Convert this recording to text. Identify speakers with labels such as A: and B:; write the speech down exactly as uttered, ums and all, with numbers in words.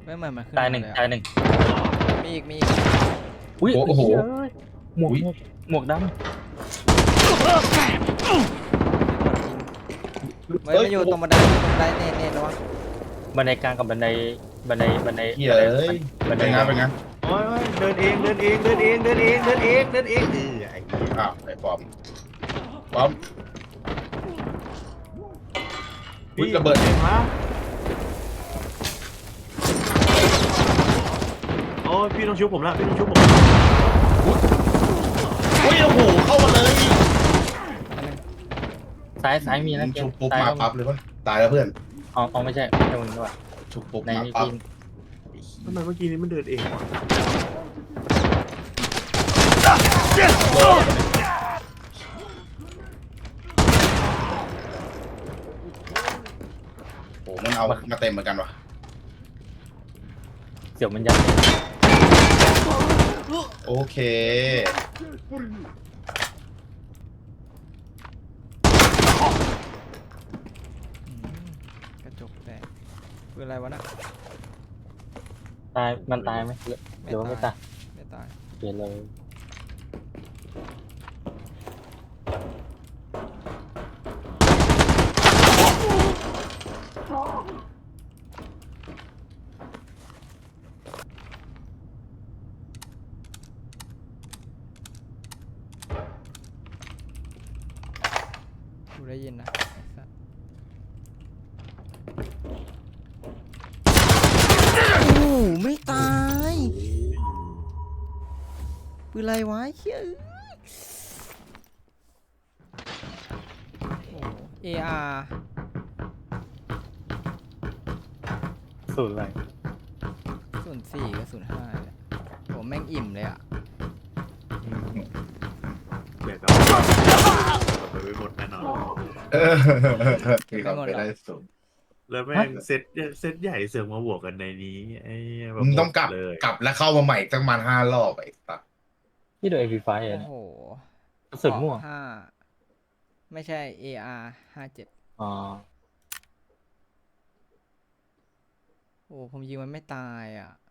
A: ไม่เหมือนมันขึ้น
B: ตายหนึ่ง
A: มเล
B: ตายหนึ่ง
A: มีอีกมีอีก
B: อุ้ย
C: โอ้โห
B: หมวกหมวกหมวกดำ
A: ไม่ไม่อยู่ตรงบันไดตรงบันไดเน่เน่ระวัง
B: บันไดกลางกับบันไดบันไดบันได
C: เหี้ยเอ้ย
B: บันได
C: เป็นไงเป็นไง
D: โอ้ยโอ้ยเดินเองเดินเองเดินเองเดินเองเดินเองเดินเองเออไอ้เหี้ย
C: อ้าวไอ้ปอมปอมอุ๊ยระเบิด
D: พี่ฮะโอ้ยพี่ต้องชุบผมละพี่ต้องชุบผม
C: อุ้ยโอ้โหเข้ามาเลย
B: ซ้ายซ้ายมีนะเก
C: ชุ
B: ม
C: บปุ๊บ
B: ซ้าย
C: มา
B: ก็มี
C: ปั๊บเลยปะตายแล้วเพื่อน
B: อ๋ออ๋อไม่ใช่ไม่ใช่มึงด้วย
C: ชุบปุ๊บ
B: ใน
C: มา
B: นี่
C: ปั๊บ
B: พี่
D: ทำไมเมื่อกี้นี้มันเดินเองวะ
C: โอ้มันเอามาเต็มเหมือนกันวะ
B: เสี่ยวมันยัด
C: โอเค
A: กระจกแตกคืออะไรวะน่ะ
B: ตายมันตายไหมหรือว่าไม่ตาย
A: ไม่ตาย
B: เปลี่ยนเลย
A: กูได้ยินนะไอ้สัสโอ้ไม่ตายปืนอะไรวะเฮ้ยโอ้ เอ อาร์
B: สูตรอะไร
A: ศูนย์สี่กับศูนย์ห้าเลยผมแม่งอิ่มเลยอ่ะ
D: เดี๋ยวก็เอาไปไม่หมดแน่นอน
C: เออมีความเป็นได้สูง
D: แล้วแม่งเซตเซตใหญ่เสือกมาบวกกันในนี้ไอ้เหี้ยแบบ
C: มึงต้องกลับ
D: เลย
C: กลับแล้วเข้ามาใหม่ตั้งประมาณห้ารอบไอ้สัส
B: ที่โดนเอพีไฟ
A: โอ้
B: เนี่ย
A: โห
B: กระสุนม่วง
A: ห้าไม่ใช่ เอ อาร์ ห้าเจ็ด
B: อ๋อ
A: โอ้ผมยิงมันไม่ตายอ่ะ